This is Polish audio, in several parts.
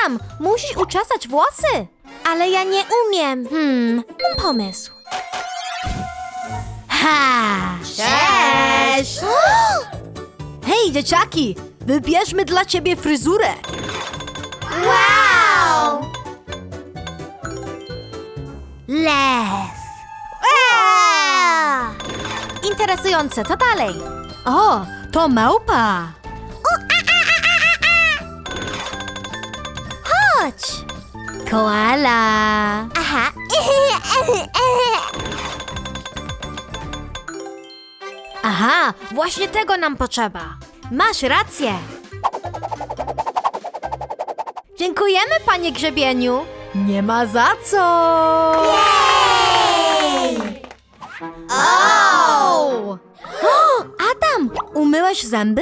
Adam, musisz uczesać włosy. Ale ja nie umiem. Mam pomysł. Ha! Cześć! Hej, dzieciaki! Wybierzmy dla ciebie fryzurę. Wow! Lew. Interesujące, co dalej? O, to małpa. Chodź. Koala. Aha. Aha, właśnie tego nam potrzeba. Masz rację. Dziękujemy, panie grzebieniu. Nie ma za co. O! Adam, umyłeś zęby?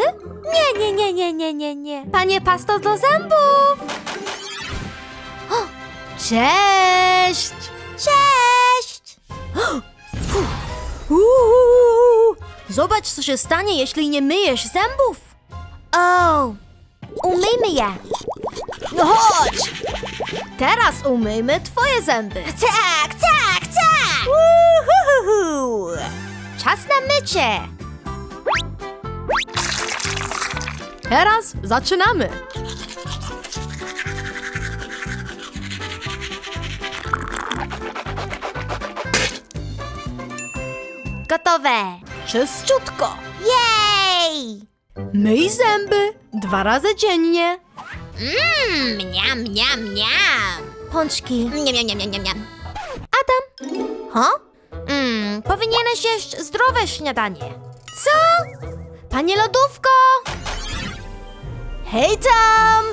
Nie. Panie pasto do zębów. O, cześć. Cześć! Zobacz, co się stanie, jeśli nie myjesz zębów. O! Umyjmy je. No chodź. Teraz umyjmy twoje zęby. Tak! Uhuhu. Czas na mycie. Teraz zaczynamy. Gotowe! Czyściutko. Jej! Myj zęby 2 razy dziennie. Miam. Pączki. Miam. Adam, Ho? powinieneś jeść zdrowe śniadanie. Co? Panie lodówko! Hej tam!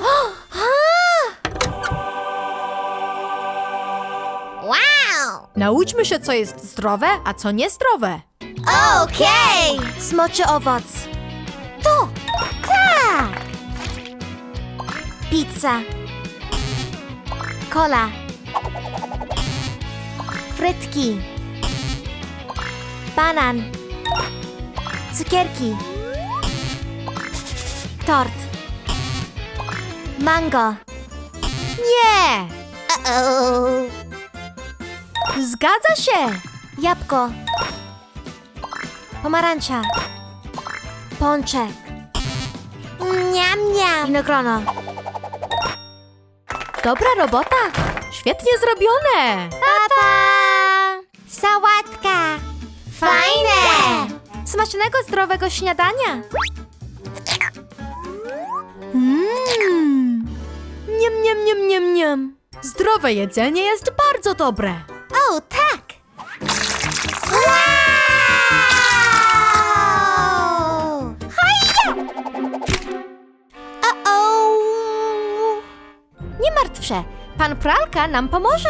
Wow! Nauczmy się, co jest zdrowe, a co niezdrowe. Okej! Smoczy owoc. To! Tak! Pizza. Kola. Frytki. Banan. Cukierki. Tort. Mango. Nie! Uh-oh. Zgadza się! Jabłko. Pomarańcza. Pączek. Miam. Winogrono. Dobra robota! Świetnie zrobione! Papa! Sałatka. Fajne! Smacznego, zdrowego śniadania! Niam. Zdrowe jedzenie jest bardzo dobre. O, tak! Wow! Hajja! Uh-oh! Nie martw się, pan pralka nam pomoże.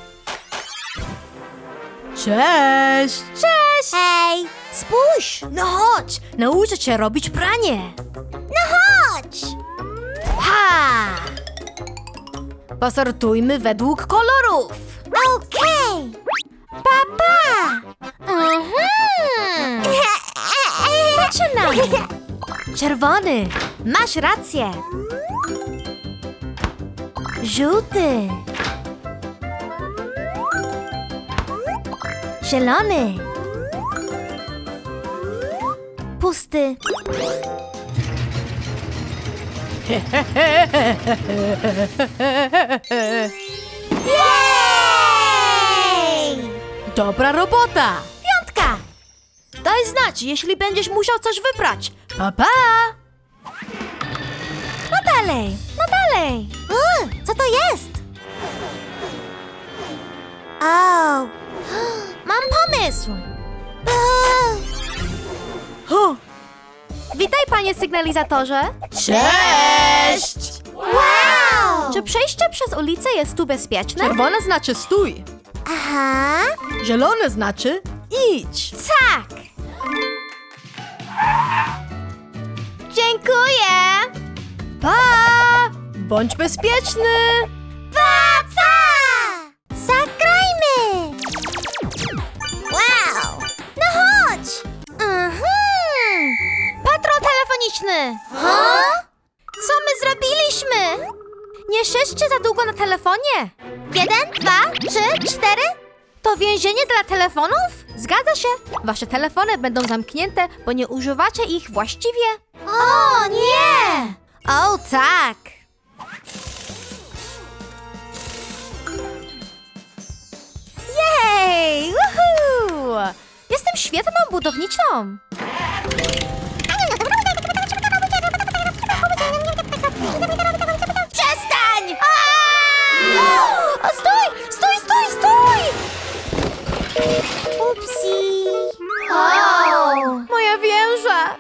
Cześć! Cześć! Hej, spójrz! No chodź, nauczę cię robić pranie. Chodź! Ha! Posortujmy według kolorów. Okej! Papa! Zaczynamy. Czerwony, masz rację. Żółty. Zielony. Pusty. Jej! Dobra robota. 5! Daj znać, jeśli będziesz musiał coś wybrać. Pa, pa! No dalej! Co to jest? O! Mam pomysł. Uh, Witaj, panie sygnalizatorze. Cześć! Wow! Czy przejście przez ulicę jest tu bezpieczne? Czerwone znaczy stój. Aha! Zielone znaczy idź. Tak! Dziękuję. Pa! Bądź bezpieczny. Papa! Zagrajmy! Wow! No chodź! Patrol telefoniczny. Ha? Co my zrobiliśmy? Nie siedźcie za długo na telefonie. 1, 2, 3, 4. To więzienie dla telefonów? Zgadza się. Wasze telefony będą zamknięte, bo nie używacie ich właściwie. O nie! O, tak. Jej! Woohoo! Jestem świetną budowniczą. Przestań! O, stój! Stój, stój, stój! Upsi. O! Moja wieża.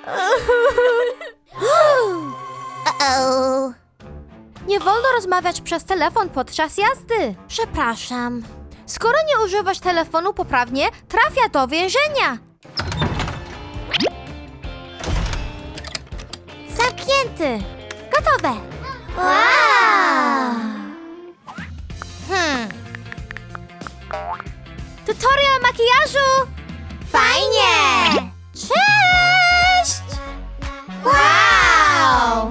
Uh-oh. Nie wolno rozmawiać przez telefon podczas jazdy. Przepraszam. Skoro nie używasz telefonu poprawnie, trafia do więzienia. Zamknięty. Gotowe. Wow! Tutorial makijażu. Fajnie! Cześć! Wow!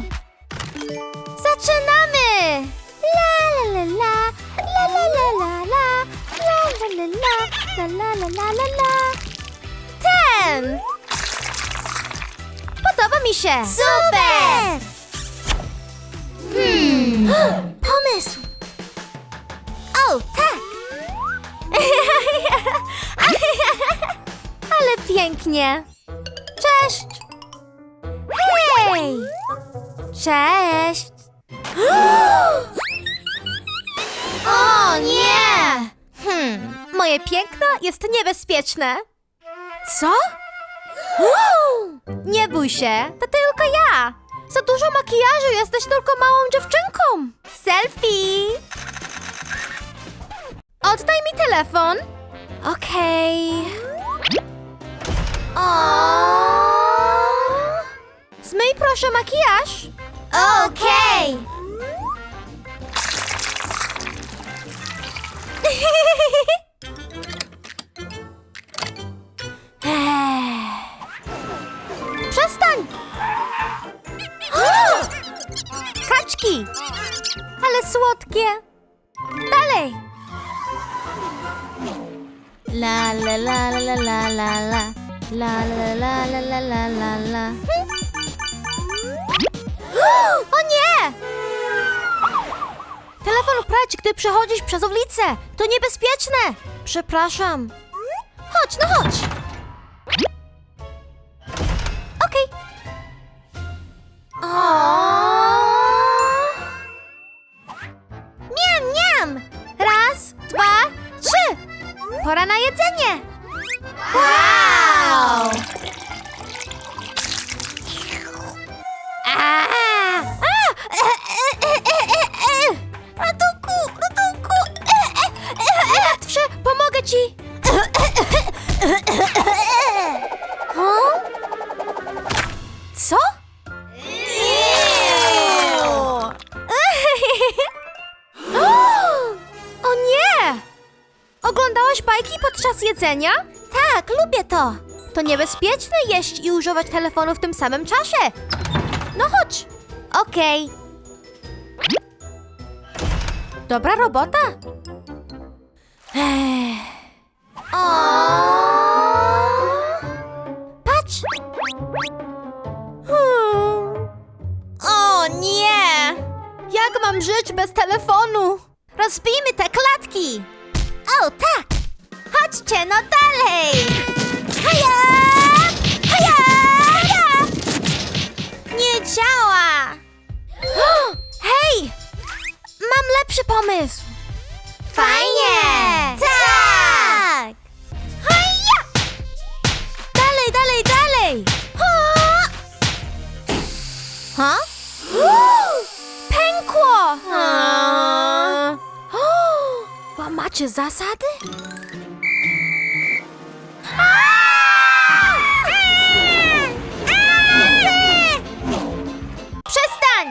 Zaczynamy! La la la la, la la la la la, la la la la, la la la la la. Ten! Podoba mi się! Super! Pomysł! O, tak! Ale pięknie! Cześć! Hej! Cześć! O nie! Moje piękno jest niebezpieczne. Co? Nie bój się, to tylko ja. Za dużo makijażu, jesteś tylko małą dziewczynką. Selfie! Oddaj mi telefon. Okej. Zmyj proszę makijaż. Okej! Przestań! Kaczki! Ale słodkie! Dalej! La la la la la la la la la la la la la la la. O nie! Telefon prać, gdy przechodzisz przez ulicę. To niebezpieczne. Przepraszam. Chodź, no chodź. Okej. Miam, miam. Raz, dwa, trzy. Pora na jedzenie. Wow! Ratunku, ratunku. Martw się, pomogę ci. Co? O nie! Oglądałaś bajki podczas jedzenia? Tak, lubię to. To niebezpieczne jeść i używać telefonu w tym samym czasie. No chodź. Okej. Dobra robota. Patrz. O nie! Jak mam żyć bez telefonu? Rozbijmy te klatki. O, tak! Chodźcie, no dalej. Haja! Haja! Haja! Nie działa. Hej! Mam lepszy pomysł. Fajnie! Tak! Haja! Dalej, dalej, dalej. Ha? Pękło! Łamacie zasady? Przestań!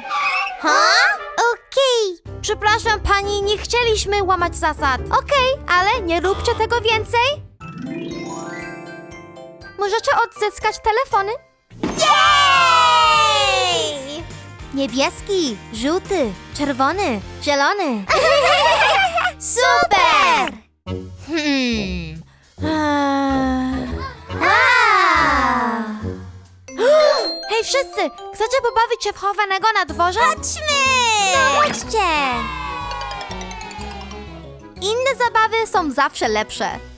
Okej. Przepraszam pani, nie chcieliśmy łamać zasad. Okej, ale nie róbcie tego więcej. Możecie odzyskać telefony? Jej! Niebieski, żółty, czerwony, zielony. Super! Hej wszyscy, chcecie pobawić się w chowanego na dworze? Chodźmy! No chodźcie! Inne zabawy są zawsze lepsze.